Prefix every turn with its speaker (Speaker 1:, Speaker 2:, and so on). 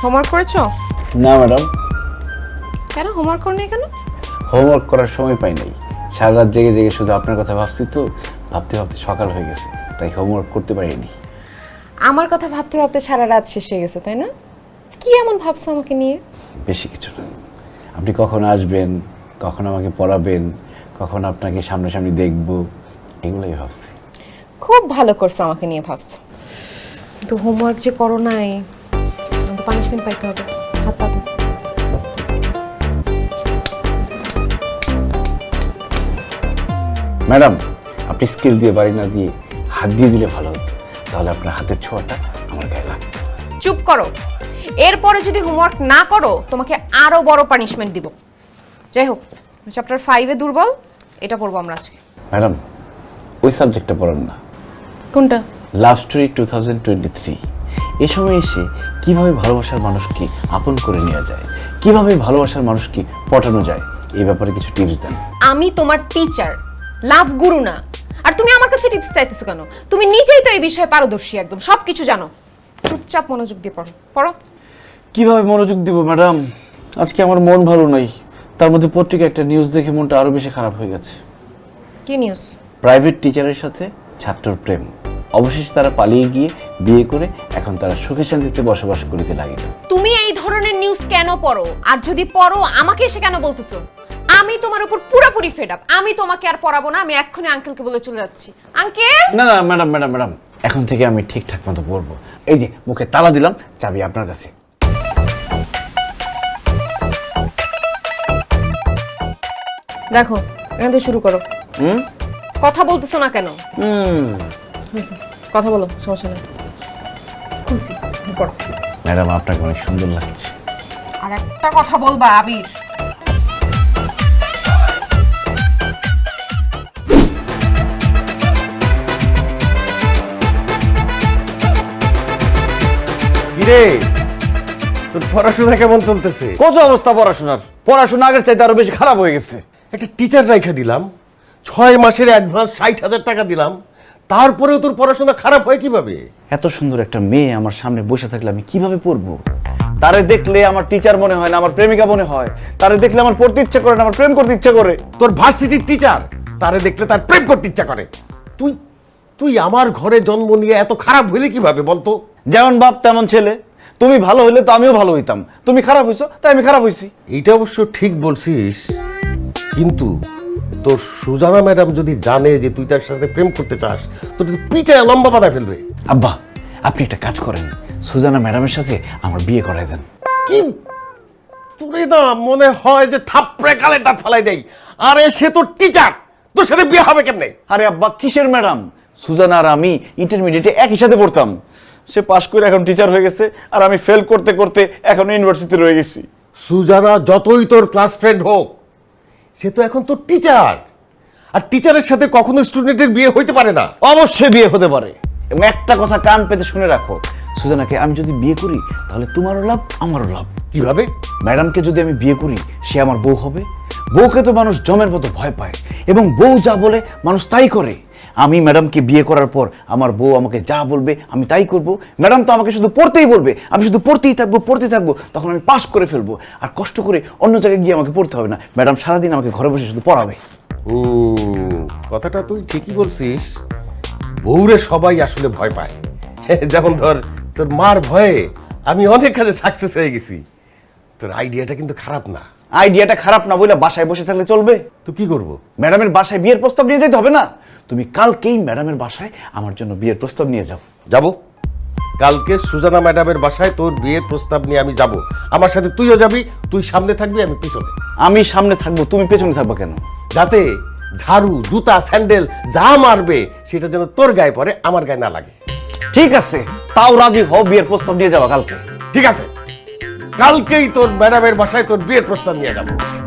Speaker 1: Homework করেছো?
Speaker 2: না madam.
Speaker 1: কেন হোমওয়ার্ক করো নাই কেন?
Speaker 2: হোমওয়ার্ক করার সময় পাই নাই, সারা রাত জেগে জেগে শুধু আপনার কথা ভাবছি, তো ভাবতে ভাবতে সকাল হয়ে গেছে, তাই হোমওয়ার্ক করতে পারিনি।
Speaker 1: আমার কথা ভাবতে ভাবতে সারা রাত শেষ হয়ে গেছে, তাই না? কি এমন ভাবছো আমাকে নিয়ে?
Speaker 2: বেশি কিছু না, আপনি কখন আসবেন, কখন আমাকে পড়াবেন, কখন আপনাকে সামনাসামনি দেখব, এগুলোই ভাবছি।
Speaker 1: খুব ভালো করছো আমাকে নিয়ে ভাবছো, কিন্তু হোমওয়ার্ক যে করো নাই, তো পানিশমেন্ট পাইতে হবে। হাত পাতো।
Speaker 2: ম্যাডাম, আপনি স্কেল দিয়ে বাড়ি না দিয়ে হাত দিয়ে দিলে ভালো হতো, তাহলে আপনার হাতের ছোঁয়াটা আমার গায়ে লাগতো।
Speaker 1: চুপ করো, এরপরে যদি হোমওয়ার্ক না করো তোমাকে আরো বড় পানিশমেন্ট দিব। যাই হোক, চ্যাপ্টার 5-এ দুর্বল, এটা পড়বো আমরা আজকে।
Speaker 2: ম্যাডাম, ওই সাবজেক্টটা পড়েন না।
Speaker 1: কোনটা?
Speaker 2: Love story 2023। এই সময় এসে কিভাবে ভালোবাসার মানুষকে আপন করে নেওয়া যায়, কিভাবে ভালোবাসার মানুষকে পটানো যায়, এই ব্যাপারে কিছু টিপস দেন।
Speaker 1: আমি তোমার টিচার, লাভ গুরু না। আর তুমি আমার কাছে টিপস চাইতেছো কেন? তুমি নিজেই তো এই বিষয়ে পারদর্শী, একদম সবকিছু জানো। চুপচাপ মনোযোগ দিয়ে পড়ো। পড়ো।
Speaker 2: কিভাবে মনোযোগ দিব ম্যাডাম? আজকে আমার মন ভালো নাই, তার মধ্যে পত্রিকা একটা নিউজ দেখে মনটা আরো বেশি খারাপ হয়ে গেছে।
Speaker 1: কি নিউজ?
Speaker 2: প্রাইভেট টিচারের সাথে ছাত্রর প্রেম, অবশেষে তারা পালিয়ে গিয়ে বিয়ে করে এখন তারা সুখে শান্তিতে বসবাস করিতে লাগিল।
Speaker 1: তুমি এই ধরনের নিউজ কেন পড়ো? আর যদি পড়ো আমাকে এসে কেন বলতেছো? আমি তোমার উপর পুরোপুরি ফেড আপ। আমি তোমাকে আর পড়াবো না, আমি এক্ষুনি আঙ্কেলকে বলে চলে যাচ্ছি। আঙ্কেল!
Speaker 2: না না ম্যাডাম ম্যাডাম ম্যাডাম, এখন থেকে আমি ঠিকঠাক মতো পড়বো। এই যে মুখে তালা দিলাম, চাবি আপনার কাছে।
Speaker 1: দেখো, এখান থেকে শুরু করো। কথা বলতেছো না কেন? হয়েছে, কথা বলো, সমস্যা নেই। খুলছি, পড়ো।
Speaker 2: ম্যাডাম, আপনাকে অনেক সুন্দর লাগছে।
Speaker 1: আর একটা কথা বলবা আবির।
Speaker 3: কিরে, তোর পড়াশোনা কেমন চলতেছে?
Speaker 4: কত অবস্থা পড়াশোনার? পড়াশোনা আগের চাইতে আরো বেশি খারাপ হয়ে গেছে।
Speaker 3: একটা টিচার রাইখা দিলাম, 6 মাসের অ্যাডভান্স 60,000 টাকা দিলাম, তারপরেও তোর পড়াশোনা খারাপ হয় কিভাবে?
Speaker 2: এত সুন্দর একটা মেয়ে আমার সামনে বসে থাকলে আমি কিভাবে পড়বো?
Speaker 4: তারে দেখলে আমার টিচার মনে হয় না, আমার প্রেমিকা মনে হয়। তারে দেখলে আমার পড়তে ইচ্ছা করে না, আমার প্রেম করতে ইচ্ছা করে।
Speaker 3: তোর ভার্সিটির টিচার, তারে দেখলে তার প্রেম করতে ইচ্ছা করে। তুই তুই আমার ঘরে জন্ম নিয়ে এত খারাপ হইলে কিভাবে বলতো?
Speaker 4: যেমন বাপ তেমন ছেলে। তুমি ভালো হইলে তো আমিও ভালো হইতাম, তুমি খারাপ হইছো তাই আমি খারাপ হইছি।
Speaker 3: এইটা অবশ্য ঠিক বলছিস, কিন্তু তোর সুজানা ম্যাডাম যদি জানে যে তুই তার সাথে প্রেম করতে চাস, তো তুই পিঠে লম্বা বাঁধা ফেলবে।
Speaker 2: আব্বা, আপনি একটা কাজ করেন, সুজানা ম্যাডামের সাথে আমার বিয়ে করায় দেন।
Speaker 3: কি তোরে না মনে হয় যে থাপড়ে গালে দাঁত ফেলাই দেই? আরে সে তো টিচার, তোর সাথে বিয়ে হবে কেমনে?
Speaker 4: আরে আব্বা, কিসের ম্যাডাম? সুজানা আর আমি ইন্টারমিডিয়েটে একই সাথে পড়তাম। সে পাশ করে এখন টিচার হয়ে গেছে, আর আমি ফেল করতে করতে এখন ইউনিভার্সিটিতে রয়ে গেছি।
Speaker 3: সুজানা যতই তোর ক্লাস ফ্রেন্ড হোক, সে তো এখন তোর টিচার, আর টিচারের সাথে কখনো স্টুডেন্টের বিয়ে হইতে পারে না।
Speaker 4: অবশ্যই বিয়ে হতে পারে, এবং একটা কথা কান পেতে শুনে রাখো, সুজানাকে আমি যদি বিয়ে করি তাহলে তোমারও লাভ আমারও লাভ।
Speaker 3: কিভাবে?
Speaker 2: ম্যাডামকে যদি আমি বিয়ে করি, সে আমার বউ হবে। বউকে তো মানুষ জমের মতো ভয় পায়, এবং বউ যা বলে মানুষ তাই করে। আমি ম্যাডামকে বিয়ে করার পর আমার বউ আমাকে যা বলবে আমি তাই করব। ম্যাডাম তো আমাকে শুধু পড়তেই বলবে, আমি শুধু পড়তেই থাকবো, তখন আমি পাস করে ফেলবো, আর কষ্ট করে অন্য জায়গায় গিয়ে আমাকে পড়তে হবে না। ম্যাডাম সারাদিন আমাকে ঘরে বসে শুধু পড়াবে।
Speaker 3: কথাটা তুই ঠিকই বলছিস, বউরে সবাই আসলে ভয় পায়। যেমন ধর, তোর মার ভয়ে আমি অনেক কাজে সাকসেস হয়ে গেছি। তোর আইডিয়াটা কিন্তু খারাপ না।
Speaker 4: আইডিয়াটা খারাপ না বলে বাসায় বসে থাকলে চলবে?
Speaker 3: তো কি করব?
Speaker 4: ম্যাডামের বাসায় বিয়ের প্রস্তাব নিয়ে যেতে হবে না? তুমি কালকেই ম্যাডামের বাসায় আমার জন্য বিয়ের প্রস্তাব নিয়ে যাও।
Speaker 3: যাব, কালকে সুজানা ম্যাডামের বাসায় তোর বিয়ের প্রস্তাব নিয়ে আমি যাব। আমার সাথে তুইও যাবি, তুই সামনে থাকবি, আমি পিছনে।
Speaker 4: আমি সামনে থাকবো, তুমি পেছনে থাকবো কেন?
Speaker 3: যাতে ঝাড়ু, জুতা, স্যান্ডেল যা মারবে সেটা যেন তোর গায়ে পড়ে, আমার গায়ে না লাগে।
Speaker 4: ঠিক আছে, তাও রাজি হও, বিয়ের প্রস্তাব নিয়ে যাওয়া কালকে।
Speaker 3: ঠিক আছে, কালকেই তোর ম্যাডামের বাসায় তোর বিয়ের প্রস্তাব নিয়ে যাবো।